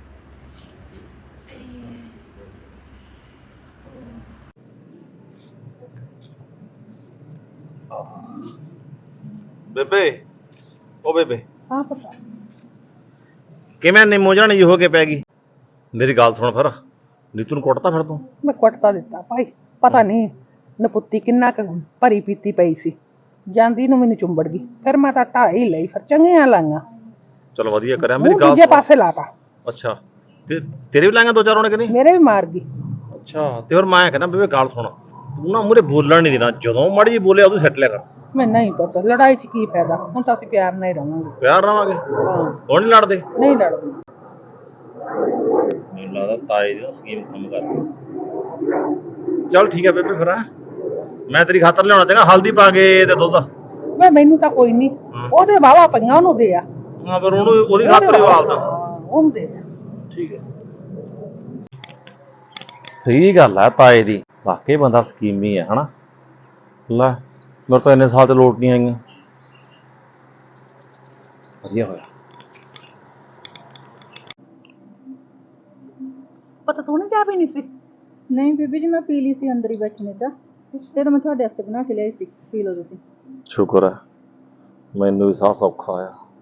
S2: ਬੇਬੇ ਉਹ ਬੇਬੇ
S3: ਹਾਂ ਪਤਾ
S2: ਕਿਵੇਂ ਨਿੰਮੋ ਜਾਣੀ ਹੋ ਕੇ ਪੈ ਗਈ। ਮੇਰੀ ਗੱਲ ਸੁਣ ਫਿਰ, ਨੀਤੂ ਨੂੰ ਕੁੱਟਤਾ ਫਿਰ ਤੂੰ।
S3: ਮੈਂ ਕੁੱਟਤਾ ਦਿੱਤਾ ਭਾਈ, ਪਤਾ ਨਹੀਂ ਨਪੁੱਤੀ ਕਿੰਨਾ ਕੁ ਭਰੀ ਪੀਤੀ ਪਈ ਸੀ, ਜਾਂਦੀ ਨੂੰ ਮੈਨੂੰ ਚੁੰਬੜ ਗਈ। ਫਿਰ ਮੈਂ ਤਾਂ ਢਾਈ ਲਈ, ਫਿਰ ਚੰਗੀਆਂ ਲਾਈਆਂ।
S2: ਚਲ ਵਧੀਆ ਕਰਿਆ। ਮੇਰੀ
S3: ਮੂੰਹ
S2: ਗੱਲ
S3: ਦੂਜੇ
S2: ਸੁਣ।
S3: ਪਾਸੇ ਲਾਤਾ,
S2: ਅੱਛਾ ਤੇ ਤੇਰੇ ਵੀ ਲਾਂਗਾ ਦੋ ਚਾਰ ਹੋਣੇ ਕਿ ਨਹੀਂ।
S3: ਮੇਰੇ ਵੀ ਮਾਰ ਗਈ।
S2: ਅੱਛਾ ਤੇ ਹੋਰ ਮੈਂ ਕਹਿੰਦਾ ਬੇਬੇ ਗੱਲ ਸੁਣ, ਤੂੰ ਨਾ ਮੂਹਰੇ ਬੋਲਣ ਨਹੀਂ ਦੇਣਾ। ਜਦੋਂ ਮਾੜੀ ਜੀ ਬੋਲਿਆ ਉਦੋਂ ਸੱਟ ਲਿਆ ਕਰ।
S3: ਮੈਂ ਨਹੀਂ ਪਤਾ ਲੜਾਈ 'ਚ ਕੀ ਫਾਇਦਾ, ਹੁਣ ਤਾਂ ਅਸੀਂ ਪਿਆਰ ਨਾਲ ਹੀ ਰਵਾਂਗੇ।
S2: ਪਿਆਰ ਰਵਾਂਗੇ,
S3: ਹਾਂ
S2: ਹੁਣ ਨਹੀਂ ਲੜਦੇ।
S3: ਨਹੀਂ ਲੜਦੇ।
S2: ਮੈਨੂੰ ਲੱਗਦਾ ਤਾਏ ਦੀ ਸਕੀਮ ਕੰਮ ਕਰ ਰਹੀ। ਚੱਲ ਠੀਕ ਹੈ ਬੇਬੇ ਫਿਰ ਹੈਂ। ਮੈਂ ਤੇਰੀ ਖਾਤਰ ਲਿਆਉਣਾ ਚਾਹਾਂਗਾ ਹਲਦੀ ਪਾ ਕੇ ਤੇ ਦੁੱਧ।
S3: ਮੈਂ ਮੈਨੂੰ ਤਾਂ ਕੋਈ ਨਹੀਂ, ਉਹਦੇ ਵਾਵਾ ਪਈਆਂ ਉਹਨੂੰ ਦੇ ਆ।
S2: ਹਾਂ ਫਿਰ ਉਹਨੂੰ ਉਹਦੀ ਖਾਤਰ ਹੀ ਵਾਲਦਾ।
S3: ਉਹਨੂੰ ਦੇ ਆ।
S2: ਠੀਕ ਹੈ, ਸਹੀ ਗੱਲ ਹੈ ਤਾਏ ਦੀ। ਵਾਕਈ ਬੰਦਾ ਸਕੀਮੀ ਹੈ ਹਨਾ। ਲੈ ਮੇਰੇ ਤਾਂ ਇੰਨੇ ਸਾਲ ਤੇ ਲੋਟ ਨਹੀਂ ਆਈਆਂ। ਵਧੀਆ ਹੋਇਆ।
S3: ਪਤਾ ਤੂੰ ਨਹੀਂ ਚਾਹ ਪੀਣੀ ਸੀ?
S1: ਨਹੀਂ ਬੀਬੀ ਜੀ, ਮੈਂ ਪੀ ਲਈ ਸੀ ਅੰਦਰ ਹੀ ਬੈਠਣੇ ਤਾਂ। ਤੇ ਤਾਂ ਮੈਂ ਤੁਹਾਡੇ ਵਾਸਤੇ ਬਣਾ ਕੇ ਲਿਆਈ ਸੀ, ਪੀ ਲਓ ਤੁਸੀਂ।
S2: ਸ਼ੁਕਰ ਹੈ ਮੈਨੂੰ ਵੀ ਸਾਹ ਸੌਖਾ ਆਇਆ।